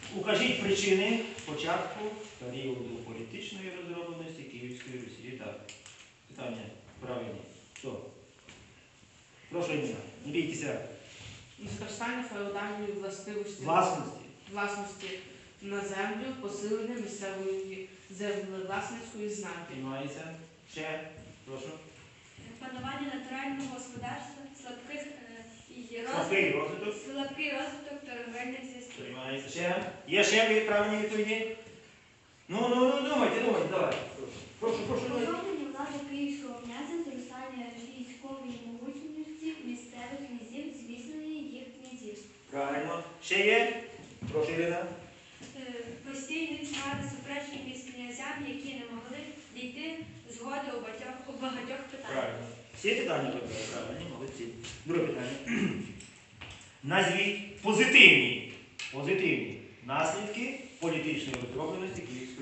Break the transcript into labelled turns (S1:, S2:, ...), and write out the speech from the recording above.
S1: Укажіть причини початку періоду політичної розробленості Київської Русі. Так. Питання правильні. Хто? Прошу, Ніна, не бійтеся.
S2: Зростання феодальної власності на землю, посилення місцевої землевласницької знаки.
S1: Приймається. Ще. Прошу.
S3: Панування натурального господарства, слабкий розвиток торговельних зв'язків.
S1: Приймається. Ще. Є ще правильні відповіді? Ну, думайте, давай. Прошу.
S4: Повернення влади київського князя, зростання військової могутності місцевих князів, зміцнення їх князівств.
S1: Правильно. Ще є? Прошу, Ірина.
S3: Постійні тягати суперечки між князями, які не могли дійти згоди у багатьох питаннях.
S1: Правильно. Всі питання вибрали? Правильно, молодці. Друге питання. Назвіть позитивні наслідки політичної розробленості Київської.